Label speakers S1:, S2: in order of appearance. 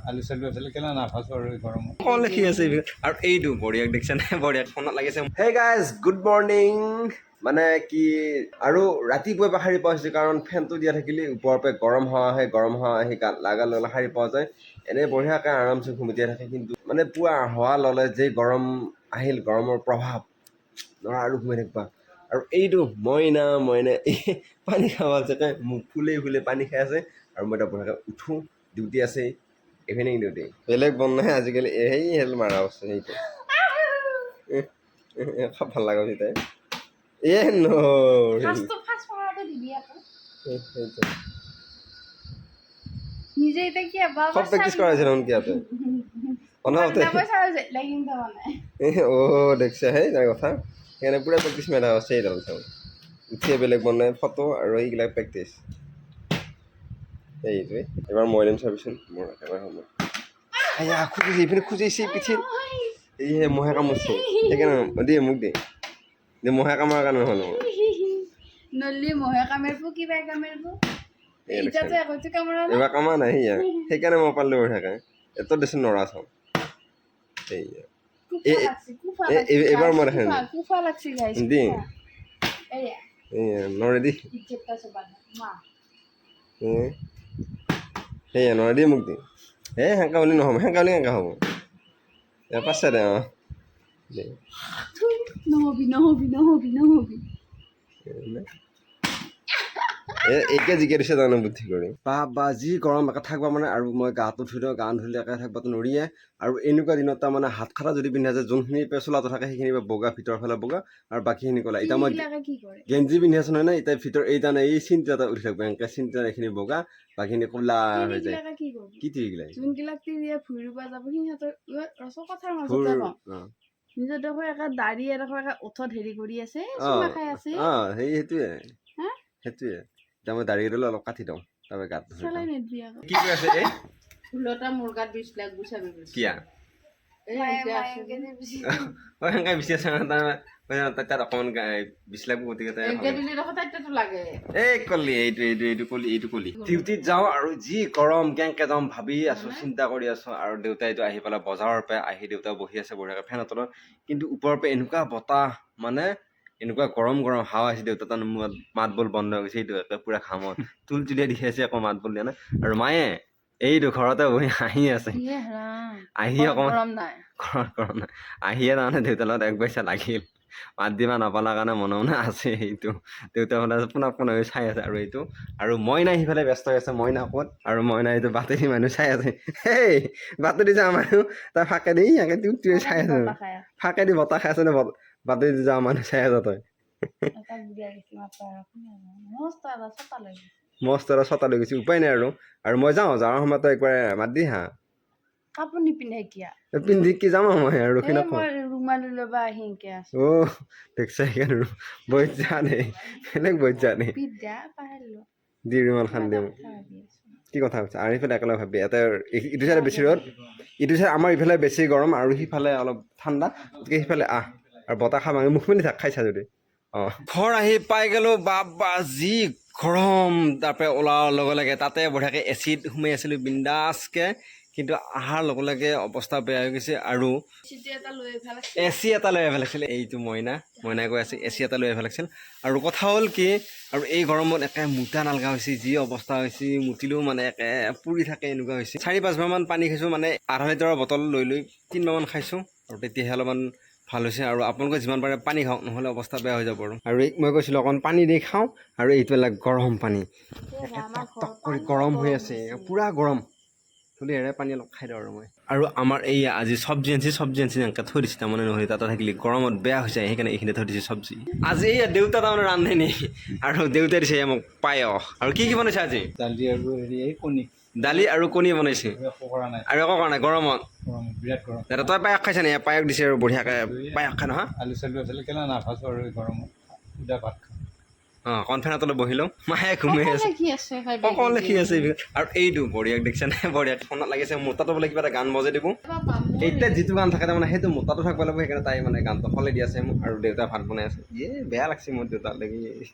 S1: আলু চালু আছিলে কেলা নাফাছো আৰু গৰমত
S2: কল লিখি আছে আৰু এইটো বঢ়িয়াক দেখিছে নে বঢ়িয়াক ফোনত লাগিছে হে গাইজ গুড মৰ্ণিং মানে কি আৰু ৰাতিপুৱাই পৰা সাৰি পোৱা হৈছে কাৰণ ফেনটো দিয়া থাকিলে ওপৰৰ পৰা গৰম হাৱা আহি গাত লাগা ললে সাৰি পোৱা যায় এনেই বঢ়িয়াকৈ আৰামছে ঘুমটিয়াই থাকে কিন্তু মানে পুৱা হাৱা ল'লে যে গৰম আহিল গৰমৰ প্ৰভাৱ ল'ৰা আৰু ঘুমাই থাকিবা আৰু এইটো মইনা পানী খাব আছে মোক ফুলে পানী খাই আছে আৰু মই এতিয়া বঢ়িয়াকৈ উঠোঁ ডিউটি আছে ইভিনিং ডিউটি বেলেগ বন নাই আজিকালি সেই হেল মাৰা আছে সেইটো খাব ভাল লগা হৈছে তাই সব প্ৰেক্টিছ কৰাইছে দেখোন কিয়াতে দেখিছে সেই তাৰ কথা সেইকাৰণে পুৰা প্ৰেক্টিছ মেলা আছে এইডাল চাওঁ উঠিয়ে বেলেগ বনাই ফটো আৰু এইবিলাক প্ৰেক্টিছ সেইটোৱে এবাৰ মই দিম চাবিচোন মোৰ একেবাৰে সময় খুজিছে এইপিনে খুজিছে পিঠিত এইহে মহে কামুৰিছে সেইকাৰণে দিয়ে মোক দে মহে কামাৰ কাৰণে নহ'ল এইবাৰ কামা নাই সেয়া সেইকাৰণে মই পালোঁ থাকে এত দেচোন নৰা চাওঁ সেয়া এইবাৰ মই দেখাম দি নৰে দি সেয়া নৰে দি মোক দি সেনেকা বুলি নহ'ব সেনেকা বুলি কেনেকা হ'ব পাছে দে এইকে জিকে দিছে তাৰমানে বুদ্ধি কৰি বা যি গৰম একে থাকিব মানে আৰু মই গাটো ধুই দিওঁ গা ধুলে একে থাকিবতো নৰিয়ে আৰু এনেকুৱা দিনত তাৰমানে হাত খাটা যদি পিন্ধা যায় যোনখিনি পেচলাটো থাকে সেইখিনি বগা ভিতৰৰ ফালে বগা আৰু বাকীখিনি ক'লা এতিয়া মই গেঞ্জি পিন্ধি আছো নহয় এতিয়া ভিতৰত এই তাৰমানে এই চিনটো এটা উঠি থাকিব এনেকৈ চিনটো এইখিনি বগা বাকীখিনি ক'লা হৈ যায় কি তিৰিগিলাই
S3: নিজৰ দেখো একে দাড়ি এডোখৰ একে ওঠত হেৰি কৰি আছে
S2: সেইটোৱে এতিয়া মই দাড়ি দিলে অলপ কাটি দিওঁ তাৰপৰা গাত কি কৈ আছে এই
S3: ফুলটা মোৰ গাত 20 লাখ গুচাবি
S2: কিয়া সেনেকৈ বিচি আছে তাত অকণমান 20 লাখ গতিকে এই কলি এইটো কলি ডিউটিত যাওঁ আৰু যি গৰম কেনেকৈ যাওঁ ভাবি আছোঁ চিন্তা কৰি আছোঁ আৰু দেউতাইতো আহি পেলাই বজাৰৰ পৰা আহি দেউতা বহি আছে বঢ়িয়াকৈ ফেনৰ তলত কিন্তু ওপৰৰ পৰা এনেকুৱা বতাহ মানে এনেকুৱা গৰম হাৱা আছে দেউতা তাৰ মাত বোল বন্ধ হৈ গৈছে এইটো একে পুৰা ঘামত তুলিয়াই দেখি আছে আকৌ মাত বোল দিয়া নাই আৰু মায়ে এইটো ঘৰতে বহি হাঁহি আছে আহি অকণমান গৰম নাই আহিয়ে তাৰমানে দেউতাৰ লগত এক পইচা লাগিল মাত দিবা নাপালা কাৰণে মনে মনে আছে সেইটো দেউতা মানে পোন চাই আছে আৰু এইটো আৰু মইনা সিফালে ব্যস্ত হৈ আছে মইনা ক'ত আৰু মইনা এইটো বাটেদি মানুহ চাই আছে সেই বাটেদি যাওঁ মানুহ তাৰ ফাকেদি ইয়াকে তুই চাই আছে ফাকেদি বতাহ খাই আছে নে বাটেদি যাওঁ মানুহ চাই আছে তই মস্ত এটা ছটা লৈ গৈছে উপায় নাই আৰু মই যাওঁ যাৱাৰ সময়ত একবাৰ মাত দি হা
S3: কাপোৰ নিপিন্ধে কিয়া
S2: পিন্ধি কি যাম মই আৰু ৰখি নাপাওঁ
S3: ৰুমালি ল'বা আহিকে আছো
S2: দেখিছা সেইকাৰণে বৈত যা দে বেলেগ বৈত যা দে দি ৰুমাল খান দিওঁ কি কথা কৈছে আৰু ইফালে একেলগে ভাবি এটা ইটো চাইডে বেছি ৰ'দ ইটো চাইড আমাৰ ইফালে বেছি গৰম আৰু সিফালে অলপ ঠাণ্ডা গতিকে সিফালে আৰু বতাহ খাম আমি মুখ মেলি থাক খাইছা যদি ঘৰ আহি পাই গ'লোঁ বা যি গৰম তাৰপৰা ওলোৱাৰ লগে লগে তাতে বঢ়িয়াকৈ এচিত সোমাই আছিলোঁ বিন্দাছকৈ কিন্তু অহাৰ লগে লগে অৱস্থা বেয়া হৈ গৈছে আৰু এচি এটা লৈ আহিব লাগিছিল এইটো মইনাই কৈ আছে এচি এটা লৈ আহিব লাগিছিল আৰু কথা হ'ল কি আৰু এই গৰমত একে মুটা নালগা হৈছে যি অৱস্থা হৈছে মুতিলেও মানে একে পুৰি থাকে এনেকুৱা হৈছে 4-5বাৰমান পানী খাইছোঁ মানে আধা লিটাৰৰ বটল লৈ 3বাৰমান খাইছোঁ আৰু তেতিয়াহে অলপমান ভাল হৈছে আৰু আপোনালোকে যিমান পাৰে পানী খাওক নহ'লে অৱস্থা বেয়া হৈ যাব আৰু মই কৈছিলোঁ অকণ পানী দি খাওঁ আৰু এইটোবিলাক গৰম পানী একে টক কৰি গৰম হৈ আছে পূৰা গৰম এৰে পানী অলপ খাই দিওঁ আৰু আমাৰ এই আজি চব্জি আনিছে এনেকৈ থৈ দিছে তাৰমানে নহ'লে তাতে থাকিলে গৰমত বেয়া হৈ যায় সেইকাৰণে এইখিনি থৈ দিছে চব্জি আজি এই দেউতা তাৰমানে ৰান্ধেনি আৰু দেউতাই দিছে মোক পায়স আৰু কি বনাইছে আজি দালি আৰু কণী বনাইছে আৰু একো কৰা নাই গৰমত
S1: বিৰাট গৰম
S2: দাদা তই পায়স খাইছা নে পায়স দিছে আৰু বঢ়িয়াকৈ পায়স খাই নহয়
S1: আলু চালু আছিলে কেলা নাফাছো আৰু গৰমত সুদা ভাত খাওঁ
S2: কনফেনৰ তলত বহি লওঁ মায়ে ঘুমাই আছে অকল লিখি আছে আৰু এইটো বঢ়িয়াক দেখিছে নে বঢ়িয়াক ফোনত লাগিছে মোতাটো বোলে কিবা এটা গান বজাই দিব এতিয়া যিটো গান থাকে তাৰমানে সেইটো মোতাটো থাকিব লাগিব সেইকাৰণে তাই মানে গানটো সলাই দি আছে মোক আৰু দেউতাই ভাত বনাই আছে বেয়া লাগছে মোৰ দেউতাক লাগি